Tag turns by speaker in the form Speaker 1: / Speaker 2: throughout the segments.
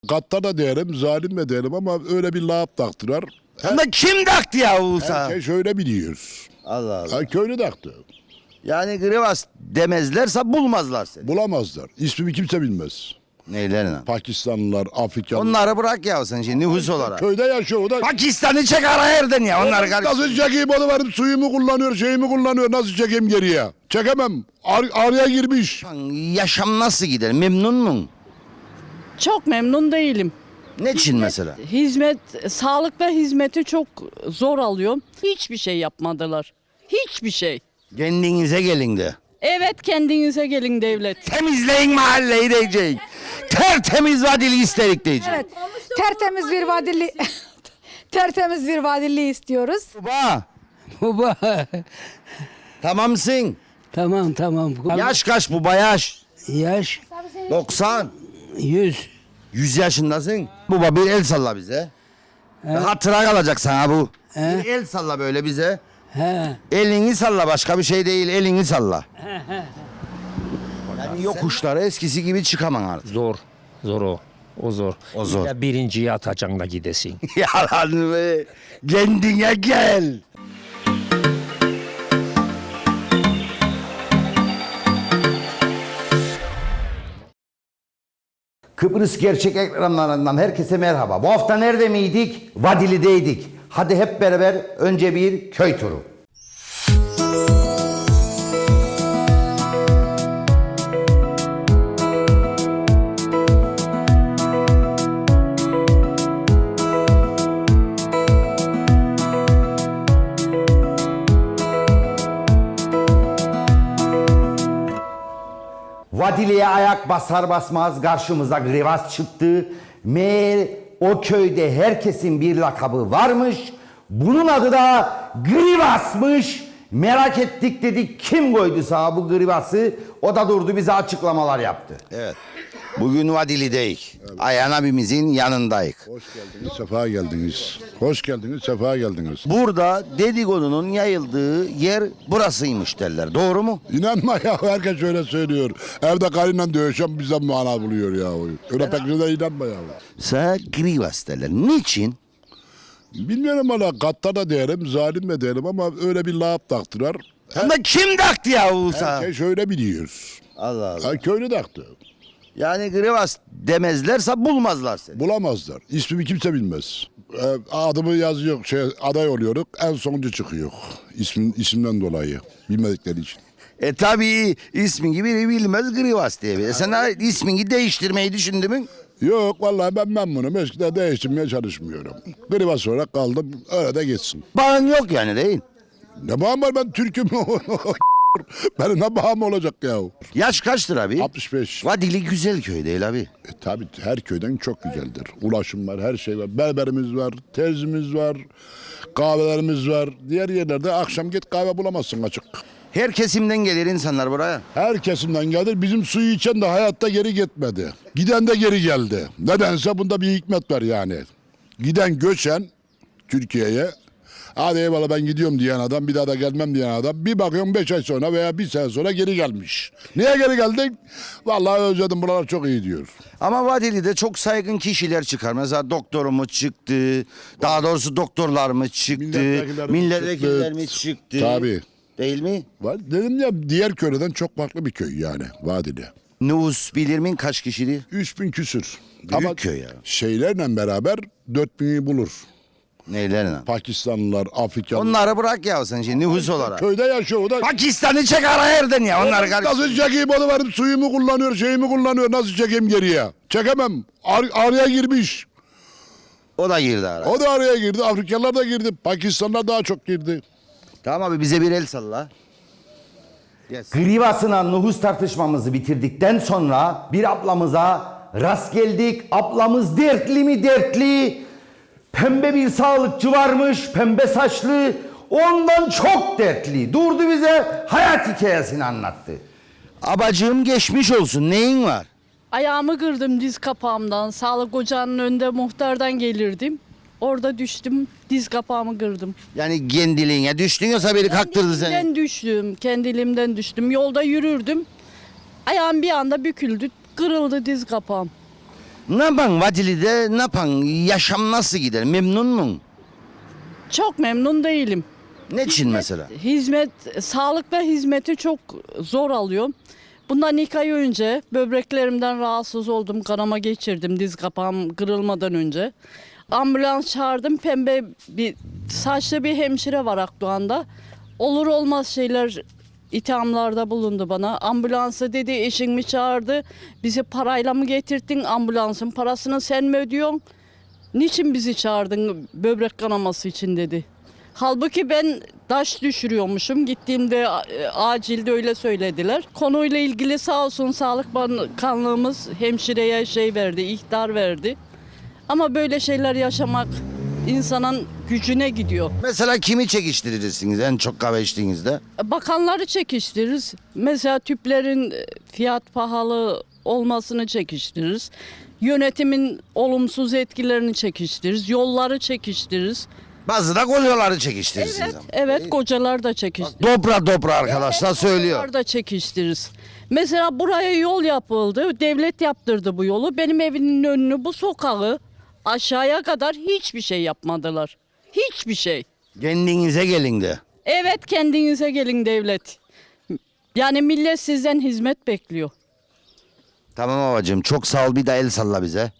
Speaker 1: gaddar da diyelim, zalim de diyelim ama öyle bir lağap taktılar.
Speaker 2: Ama kim taktı ya Uğur'a?
Speaker 1: Herkes öyle biliyor.
Speaker 2: Allah Allah.
Speaker 1: Ha, köylü taktı.
Speaker 2: Yani Grivas demezlerse bulmazlar seni.
Speaker 1: Bulamazlar. İsmimi kimse bilmez.
Speaker 2: Neylerine?
Speaker 1: Pakistanlılar, Afrikalılar.
Speaker 2: Onları bırak ya sen şimdi nüfus olarak.
Speaker 1: Köyde yaşıyor o da.
Speaker 2: Pakistan'ı çek ara yerden ya onları
Speaker 1: Nasıl çekeyim onu benim suyumu kullanıyor, şeyimi kullanıyor. Nasıl çekeyim geriye? Çekemem. Araya girmiş.
Speaker 2: Yaşam nasıl gider? Memnun mu?
Speaker 3: Çok memnun değilim.
Speaker 2: Ne için mesela?
Speaker 3: Sağlıkta hizmeti çok zor alıyorum. Hiçbir şey yapmadılar. Hiçbir şey.
Speaker 2: Kendinize gelin de.
Speaker 3: Evet, kendinize gelin devlet.
Speaker 2: Temizleyin mahalleyi diyecek. Tertemiz vadili isterik diyecek.
Speaker 4: Evet. Tertemiz bir vadili tertemiz bir vadili istiyoruz.
Speaker 2: Baba.
Speaker 5: Baba.
Speaker 2: Tamamsın.
Speaker 5: Tamam.
Speaker 2: Yaş kaç bu bayaş?
Speaker 5: Yaş
Speaker 2: 90.
Speaker 5: 100.
Speaker 2: 100 yaşındasın. Baba bir el salla bize. Hatıra kalacak sana bu. Bir el salla böyle bize.
Speaker 5: He.
Speaker 2: Elini salla, başka bir şey değil, elini salla. Yani yokuşlara eskisi gibi çıkamam artık.
Speaker 6: Zor. Zor o. O zor.
Speaker 2: O zor.
Speaker 6: Ya birinciyi atacaksın da gidesin.
Speaker 2: Yalan be. Kendine gel. Kıbrıs Gerçek ekranlarından herkese merhaba. Bu hafta nerede miydik? Vadili'deydik. Hadi hep beraber önce bir köy turu. Vadili'ye ayak basar basmaz karşımıza Grivas çıktı. Meğer o köyde herkesin bir lakabı varmış. Bunun adı da Grivas'mış. Merak ettik dedik kim koydu sağa bu Grivas'ı? O da durdu bize açıklamalar yaptı. Evet. Bugün Vadili'deyiz. Ayhan abimizin yanındayız.
Speaker 1: Hoş geldiniz, sefa geldiniz. Hoş geldiniz, sefa geldiniz.
Speaker 2: Burada dedikodunun yayıldığı yer burasıymış derler. Doğru mu?
Speaker 1: İnanma ya, herkes öyle söylüyor. Evde karıyla dövüşen bize mana buluyor ya. Öyle pek de inanma ya.
Speaker 2: Sana Grivas derler. Niçin?
Speaker 1: Bilmiyorum valla, gaddar da diyelim, zalim de diyelim ama öyle bir lağap taktılar.
Speaker 2: Ama kim taktı ya Uğur'a?
Speaker 1: Herkes öyle biliyor.
Speaker 2: Allah Allah.
Speaker 1: Ha, köylü taktı.
Speaker 2: Yani Grivas demezlerse bulmazlar seni.
Speaker 1: Bulamazlar. İsmimi kimse bilmez. Adımı yazıyor, aday oluyoruz. En sonuncu çıkıyor. İsimden dolayı. Bilmedikleri için.
Speaker 2: Tabii ismin gibi bilmez Grivas diye. Sen ismini değiştirmeyi düşündün mü?
Speaker 1: Yok vallahi ben memnunum. Eskiden değiştirmeye çalışmıyorum. Grivas olarak kaldım. Öyle de geçsin.
Speaker 2: Bağın yok yani değil.
Speaker 1: Ne bağım var, ben Türk'üm. Benim ne bağım olacak ya?
Speaker 2: Yaş kaçtır abi?
Speaker 1: 65.
Speaker 2: Vadili güzel köy değil abi.
Speaker 1: Tabii her köyden çok güzeldir. Ulaşım var, her şey var. Berberimiz var, terzimiz var, kahvelerimiz var. Diğer yerlerde akşam git kahve bulamazsın açık.
Speaker 2: Her kesimden gelir insanlar buraya.
Speaker 1: Her kesimden gelir. Bizim suyu içen de hayatta geri gitmedi. Giden de geri geldi. Nedense bunda bir hikmet var yani. Giden göçen Türkiye'ye, hadi eyvallah ben gidiyorum diyen adam, bir daha da gelmem diyen adam, bir bakıyorum 5 ay sonra veya 1 sene sonra geri gelmiş. Niye geri geldin? Vallahi özledim, buralar çok iyi diyor.
Speaker 2: Ama Vadili'de çok saygın kişiler çıkar. Mesela doktorumuz çıktı. Daha doğrusu doktorlar mı çıktı? Milletvekiller mi çıktı?
Speaker 1: Tabii.
Speaker 2: Değil mi?
Speaker 1: Dedim ya, diğer köyden çok farklı bir köy yani Vadili.
Speaker 2: Nüfus bilir min kaç kişiydi?
Speaker 1: 3000 küsür.
Speaker 2: Büyük köy ya.
Speaker 1: Şeylerle beraber 4000'i bulur.
Speaker 2: Neylerine?
Speaker 1: Pakistanlılar, Afrikalılar.
Speaker 2: Onları bırak ya sen şimdi nüfus olarak.
Speaker 1: Köyde yaşıyor o da.
Speaker 2: Pakistan'ı çek ara yerden ya onları
Speaker 1: Nasıl çekeyim onu benim suyumu kullanıyor, şeyimi kullanıyor. Nasıl çekeyim geriye? Çekemem. Araya girmiş.
Speaker 2: O da girdi ara.
Speaker 1: O da araya girdi. Afrikalılar da girdi. Pakistanlılar daha çok girdi.
Speaker 2: Tamam abi bize bir el salla. Yes. Grivas'ına nüfus tartışmamızı bitirdikten sonra bir ablamıza rast geldik. Ablamız dertli mi dertli? Pembe bir sağlıkçı varmış, pembe saçlı. Ondan çok dertli. Durdu bize hayat hikayesini anlattı. Abacığım geçmiş olsun. Neyin var?
Speaker 3: Ayağımı kırdım diz kapağımdan. Sağlık ocağının önünde muhtardan gelirdim. Orada düştüm, diz kapağımı kırdım.
Speaker 2: Yani kendiliğine düştün yoksa biri kaktırdı seni.
Speaker 3: Kendiliğimden düştüm. Yolda yürürdüm. Ayağım bir anda büküldü, kırıldı diz kapağım.
Speaker 2: Ne yapan Vadili'de, ne yapan? Yaşam nasıl gider? Memnun mun?
Speaker 3: Çok memnun değilim.
Speaker 2: Ne için mesela?
Speaker 3: Sağlık ve hizmeti çok zor alıyorum. Bundan 2 ay önce böbreklerimden rahatsız oldum. Kanama geçirdim diz kapağım kırılmadan önce. Ambulans çağırdım. Pembe bir saçlı bir hemşire var Akdoğan'da. Olur olmaz şeyler ithamlarda bulundu bana. Ambulansı dedi eşin mi çağırdı? Bizi parayla mı getirdin? Ambulansın parasını sen mi ödüyorsun? Niçin bizi çağırdın böbrek kanaması için dedi. Halbuki ben taş düşürüyormuşum. Gittiğimde acilde öyle söylediler. Konuyla ilgili sağ olsun Sağlık Bakanlığımız hemşireye ihtar verdi. Ama böyle şeyler yaşamak insanın gücüne gidiyor.
Speaker 2: Mesela kimi çekiştirirsiniz en çok kahve içtiğinizde?
Speaker 3: Bakanları çekiştiririz. Mesela tüplerin fiyat pahalı olmasını çekiştiririz. Yönetimin olumsuz etkilerini çekiştiririz. Yolları çekiştiririz.
Speaker 2: Bazı da kolyoları çekiştirirsiniz ama.
Speaker 3: Evet kocalar da çekiştiririz.
Speaker 2: Dobra arkadaşlar söylüyor.
Speaker 3: Yolları da çekiştiririz. Mesela buraya yol yapıldı. Devlet yaptırdı bu yolu. Benim evimin önünü, bu sokağı aşağıya kadar hiçbir şey yapmadılar. Hiçbir şey.
Speaker 2: Kendinize gelin de.
Speaker 3: Evet, kendinize gelin devlet. Yani millet sizden hizmet bekliyor.
Speaker 2: Tamam babacığım çok sağ ol, bir de el salla bize.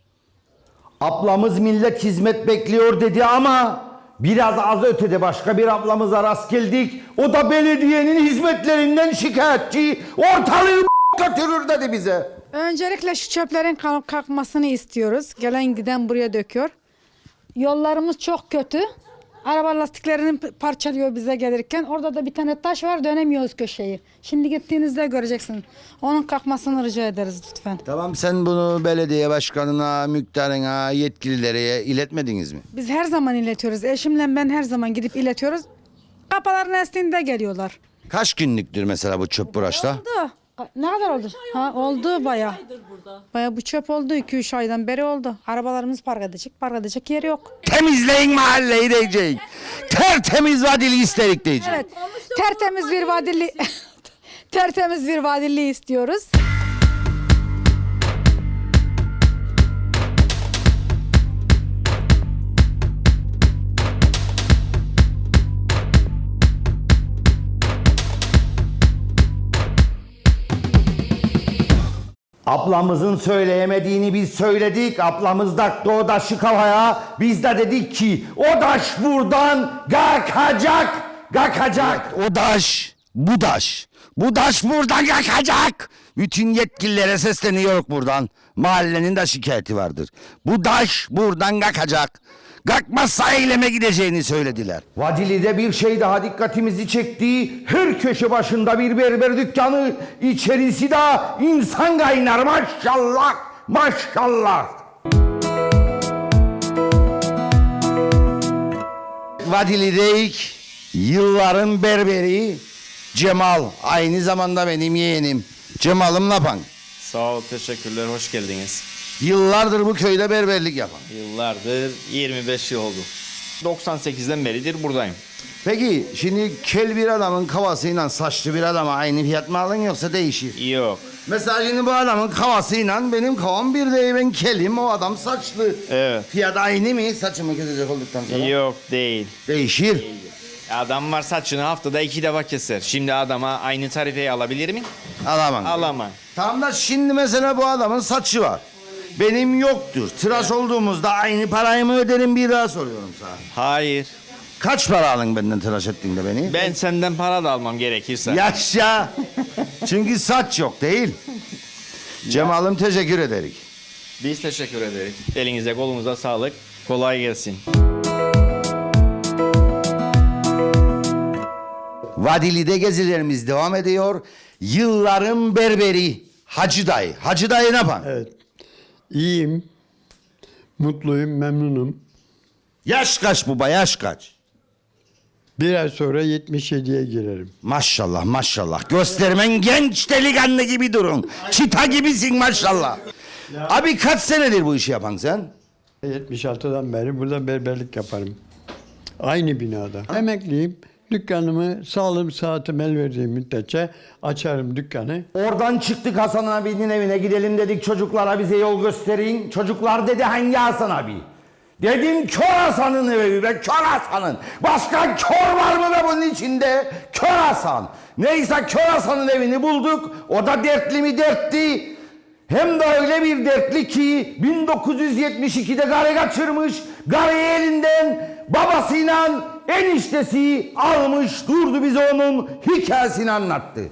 Speaker 2: Ablamız millet hizmet bekliyor dedi ama biraz az ötede başka bir ablamıza rast geldik. O da belediyenin hizmetlerinden şikayetçi. Ortalığı götürür dedi bize.
Speaker 4: Öncelikle şu çöplerin kalkmasını istiyoruz. Gelen giden buraya döküyor. Yollarımız çok kötü. Araba lastiklerini parçalıyor bize gelirken. Orada da bir tane taş var, dönemiyoruz köşeyi. Şimdi gittiğinizde göreceksin. Onun kalkmasını rica ederiz lütfen.
Speaker 2: Tamam, sen bunu belediye başkanına, muhtarına, yetkililere iletmediniz mi?
Speaker 4: Biz her zaman iletiyoruz. Eşimle ben her zaman gidip iletiyoruz. Kapıların estiğinde geliyorlar.
Speaker 2: Kaç günlüktür mesela bu çöp buraşta?
Speaker 4: Oldu. Ne kadar oldu? Ha, oldu baya. Baya bu çöp oldu. 2-3 aydan beri oldu. Arabalarımız park edecek yeri yok.
Speaker 2: Temizleyin mahalleyi diyecek. Tertemiz Vadili isterik diyecek.
Speaker 4: Evet. Tertemiz bir vadili tertemiz bir vadili istiyoruz.
Speaker 2: Ablamızın söyleyemediğini biz söyledik. Ablamız taktı o taşı kafaya. Biz de dedik ki o taş buradan kalkacak. Kalkacak. O taş, bu taş. Bu taş buradan kalkacak. Bütün yetkililere sesleniyor buradan. Mahallenin de şikayeti vardır. Bu taş buradan kalkacak. Kalkmazsa eyleme gideceğini söylediler. Vadili'de bir şey daha dikkatimizi çekti. Her köşe başında bir berber dükkanı. İçerisi de insan kaynar maşallah. Maşallah. Vadili'deyik. Yılların berberi Cemal. Aynı zamanda benim yeğenim. Cemal'ım lapan.
Speaker 7: Sağ ol, teşekkürler, hoş geldiniz.
Speaker 2: Yıllardır bu köyde berberlik yapan.
Speaker 7: Yıllardır, 25 yıl oldu. 98'den beridir buradayım.
Speaker 2: Peki şimdi kel bir adamın kafasıyla saçlı bir adama aynı fiyat mı alın yoksa değişir?
Speaker 7: Yok,
Speaker 2: Mesela şimdi bu adamın kafasıyla benim kavam bir değil, ben kelim, o adam saçlı.
Speaker 7: Evet.
Speaker 2: Fiyat aynı mı saçımı kesecek olduktan sonra?
Speaker 7: yok değil.
Speaker 2: Değişir.
Speaker 7: Adam var saçını haftada 2 defa keser. Şimdi adama aynı tarifeyi alabilir miyim?
Speaker 2: Alamam.
Speaker 7: Alamam.
Speaker 2: Tamam da şimdi mesela bu adamın saçı var. Benim yoktur. Tıraş olduğumuzda aynı parayı mı öderim, bir daha soruyorum sana.
Speaker 7: Hayır.
Speaker 2: Kaç para alın benden tıraş ettiğinde beni?
Speaker 7: Ben senden para da almam gerekirse.
Speaker 2: Yaşa. Çünkü saç yok değil. Cemal'ım teşekkür ederim.
Speaker 7: Biz teşekkür ederiz. Elinize kolunuza sağlık. Kolay gelsin.
Speaker 2: Vadili'de gezilerimiz devam ediyor. Yılların berberi Hacı Dayı. Hacı Dayı ne yapan?
Speaker 8: Evet. İyiyim. Mutluyum, memnunum.
Speaker 2: Yaş kaç baba, yaş kaç?
Speaker 8: Bir ay sonra 77'ye girerim.
Speaker 2: Maşallah maşallah. Göstermen genç delikanlı gibi durun. Çita gibisin maşallah. Abi kaç senedir bu işi yapan sen?
Speaker 8: 76'dan beri burada berberlik yaparım. Aynı binada. Emekliyim. Dükkanımı sağlığım saatim el verdiği müddetçe açarım dükkanı.
Speaker 2: Oradan çıktık Hasan abinin evine gidelim dedik çocuklara bize yol gösterin. Çocuklar dedi hangi Hasan abi? Dedim Kör Hasan'ın evi be Kör Hasan'ın. Başka kör var mı be bunun içinde? Kör Hasan. Neyse Kör Hasan'ın evini bulduk. O da dertli mi dertli. Hem de öyle bir dertli ki 1972'de karı kaçırmış. Karıyı elinden babasıyla eniştesi almış durdu bize onun hikayesini anlattı.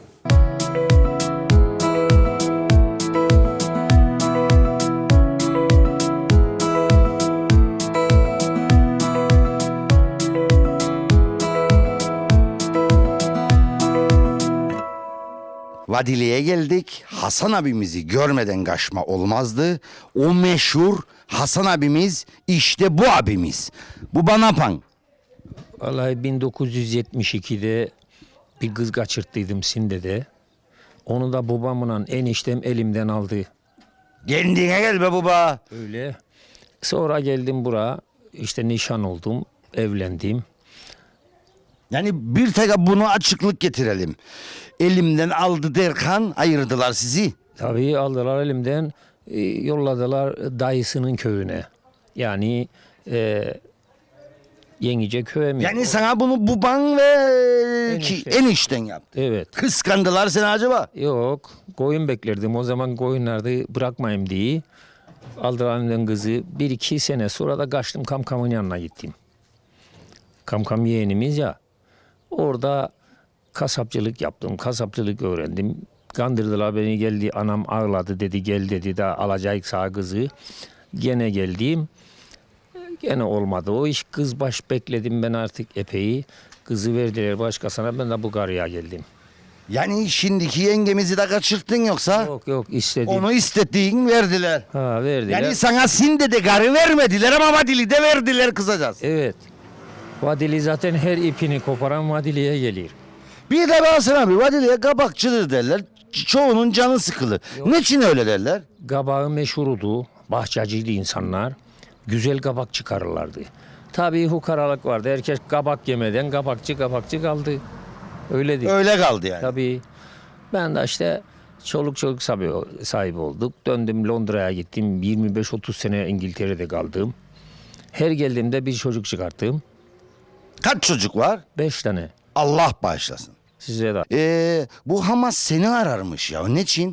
Speaker 2: Vadili'ye geldik. Hasan abimizi görmeden kaçma olmazdı. O meşhur Hasan abimiz işte bu abimiz. Bu bana pan.
Speaker 6: Vallahi 1972'de bir kız kaçırttıydım Sinde'de. Onu da babamla eniştem elimden aldı.
Speaker 2: Kendine gel be baba.
Speaker 6: Öyle. Sonra geldim buraya. İşte nişan oldum. Evlendim.
Speaker 2: Yani bir tek bunu açıklık getirelim. Elimden aldı derken ayırdılar sizi.
Speaker 6: Tabii aldılar elimden. Yolladılar dayısının köyüne. Yani Yenice köye mi?
Speaker 2: Yani sana bunu baban ve enişten yaptı.
Speaker 6: Evet.
Speaker 2: Kıskandılar seni acaba?
Speaker 6: Yok. Koyun beklerdim. O zaman koyunlarda bırakmayayım diye. Aldılar elimden kızı. 1-2 sene sonra da kaçtım Kamkam'ın yanına gittim. Kamkam yeğenimiz ya. Orada kasapçılık yaptım. Kasapçılık öğrendim. Kandırdılar beni geldi. Anam ağladı dedi gel dedi de alacak sağ kızı. Gene geldim. Gene olmadı. O iş kız baş bekledim ben artık epey. Kızı verdiler başkasına ben de bu karıya geldim.
Speaker 2: Yani şimdiki yengemizi de kaçırttın yoksa?
Speaker 6: Yok istedim.
Speaker 2: Onu istediğin verdiler.
Speaker 6: Ha verdiler.
Speaker 2: Yani sana Sinde de karı vermediler ama Vadili de verdiler kısacası.
Speaker 6: Evet. Vadili zaten her ipini koparan Vadili'ye gelir.
Speaker 2: Bir de Hasan abi Vadili'ye kabakçıdır derler. Çoğunun canı sıkılı. Niçin öyle derler?
Speaker 6: Kabağı meşhurudu. Bahçeciydi insanlar. Güzel kabak çıkarırlardı. Tabii hukaralık vardı. Herkes kabak yemeden kabakçı kaldı. Öyledir.
Speaker 2: Öyle kaldı yani.
Speaker 6: Tabii. Ben de işte çoluk sahibi olduk. Döndüm Londra'ya gittim. 25-30 sene İngiltere'de kaldım. Her geldiğimde bir çocuk çıkarttım.
Speaker 2: Kaç çocuk var?
Speaker 6: 5 tane.
Speaker 2: Allah bağışlasın.
Speaker 6: Size de.
Speaker 2: Bu Hamas seni ararmış ya. Niçin?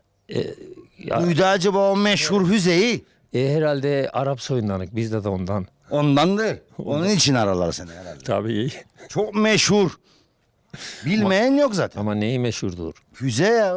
Speaker 6: Ya,
Speaker 2: Duydu acaba o meşhur Hüseyi?
Speaker 6: herhalde Arap soyundanık. Bizde de ondan.
Speaker 2: Ondandır. Onun için ararlar seni herhalde.
Speaker 6: Tabii.
Speaker 2: Çok meşhur. Bilmeyen yok zaten.
Speaker 6: Ama neyi meşhurdur?
Speaker 2: Füze ya.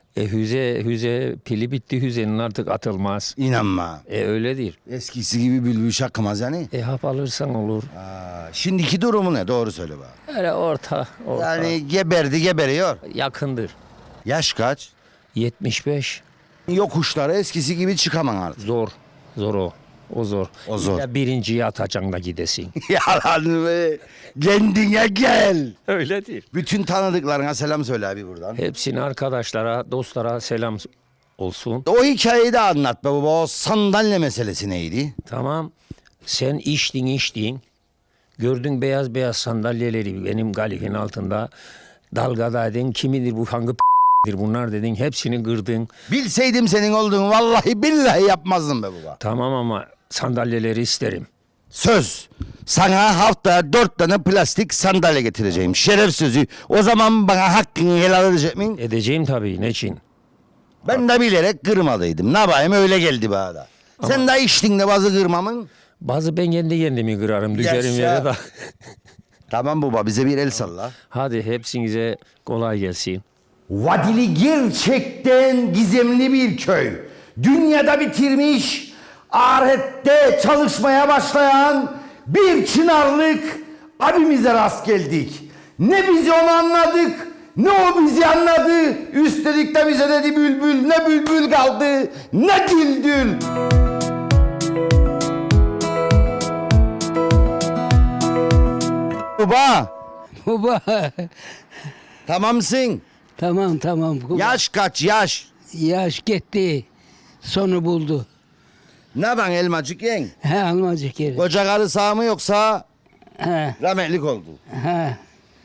Speaker 6: Hüze pili bitti Hüze'nin artık atılmaz.
Speaker 2: İnanma.
Speaker 6: Öyledir.
Speaker 2: Eskisi gibi bülbül şakımaz yani.
Speaker 6: Hap alırsan olur.
Speaker 2: Şimdiki durumu ne? Doğru söyle bana.
Speaker 6: Öyle orta.
Speaker 2: Yani geberiyor.
Speaker 6: Yakındır.
Speaker 2: Yaş kaç?
Speaker 6: 75.
Speaker 2: Yokuşlara eskisi gibi çıkamam artık.
Speaker 6: Zor o. O zor.
Speaker 2: O zor.
Speaker 6: Ya birinciyi atacaksın da gidesin.
Speaker 2: Yalan be. Kendine gel.
Speaker 6: Öyledir.
Speaker 2: Bütün tanıdıklarına selam söyle abi buradan.
Speaker 6: Hepsine arkadaşlara, dostlara selam olsun.
Speaker 2: O hikayeyi de anlat be baba. O sandalye meselesi neydi?
Speaker 6: Tamam. Sen içtin. Gördün beyaz sandalyeleri benim galifin altında. Dalgadaydın. Kimidir bu hangi bunlar dedin. Hepsini kırdın.
Speaker 2: Bilseydim senin olduğunu vallahi billahi yapmazdım be baba.
Speaker 6: Tamam ama sandalyeleri isterim.
Speaker 2: Söz. Sana haftaya 4 tane plastik sandalye getireceğim. Şeref sözü. O zaman bana hakkını helal edecek miyim?
Speaker 6: Edeceğim tabii. Ne için?
Speaker 2: Ben de bilerek kırmalıydım. Ne yapayım öyle geldi bana da. Sen de içtin de bazı kırmamın.
Speaker 6: Bazı ben kendi kendimi kırarım. Düşerim
Speaker 2: Yaşa.
Speaker 6: yere de.
Speaker 2: Tamam baba bize bir el salla.
Speaker 6: Hadi hepsinize kolay gelsin.
Speaker 2: Vadili gerçekten gizemli bir köy. Dünyada bitirmiş, ahirette çalışmaya başlayan bir Çınarlık abimize rast geldik. Ne biz onu anladık, ne o bizi anladı. Üstelik de bize dedi bülbül, ne bülbül kaldı, ne düldül. Baba,
Speaker 5: Baba.
Speaker 2: tamamsın.
Speaker 5: Tamam. Baba.
Speaker 2: Yaş kaç yaş?
Speaker 5: Yaş gitti. Sonu buldu.
Speaker 2: Ne ben elmacık yen?
Speaker 5: He almacık yeri.
Speaker 2: Koca karı sağ mı yoksa
Speaker 5: He.
Speaker 2: rahmetlik oldu?
Speaker 5: He.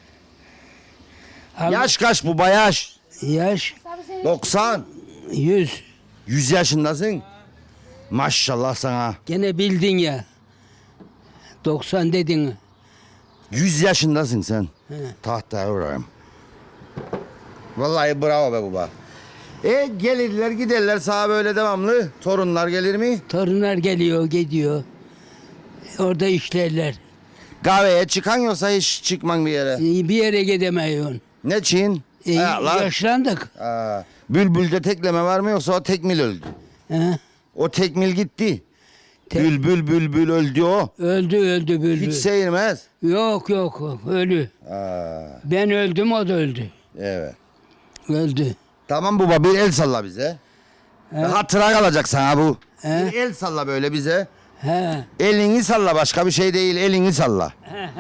Speaker 2: Yaş kaç baba yaş?
Speaker 5: Yaş
Speaker 2: 90.
Speaker 5: 100.
Speaker 2: 100 yaşındasın. Maşallah sana.
Speaker 5: Gene bildin ya. 90 dedin.
Speaker 2: 100 yaşındasın sen. Tahtaya vurayım. Vallahi bravo be baba. Gelirler giderler sağa böyle devamlı. Torunlar gelir mi?
Speaker 5: Torunlar geliyor gidiyor. Orada işlerler.
Speaker 2: Kahveye çıkan yoksa hiç çıkman bir yere.
Speaker 5: Bir yere gidemiyorsun.
Speaker 2: Ne için? Ayaklar.
Speaker 5: Yaşlandık.
Speaker 2: Bülbül'de tekleme var mı yoksa o tekmil öldü?
Speaker 5: He?
Speaker 2: O tekmil gitti. Bülbül öldü o.
Speaker 5: Öldü bülbül.
Speaker 2: Hiç seyirmez.
Speaker 5: Yok ölü. Ben öldüm o da öldü.
Speaker 2: Evet.
Speaker 5: Öldü.
Speaker 2: Tamam baba bir el salla bize. Hatıra kalacak sana bu.
Speaker 5: He?
Speaker 2: Bir el salla böyle bize.
Speaker 5: He.
Speaker 2: Elini salla başka bir şey değil elini salla.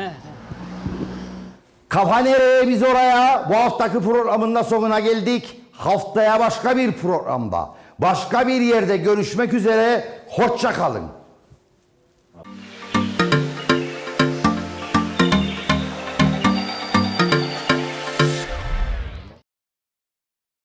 Speaker 2: Kafa nereye biz oraya? Bu haftaki programın da sonuna geldik. Haftaya başka bir programda, başka bir yerde görüşmek üzere. Hoşça kalın.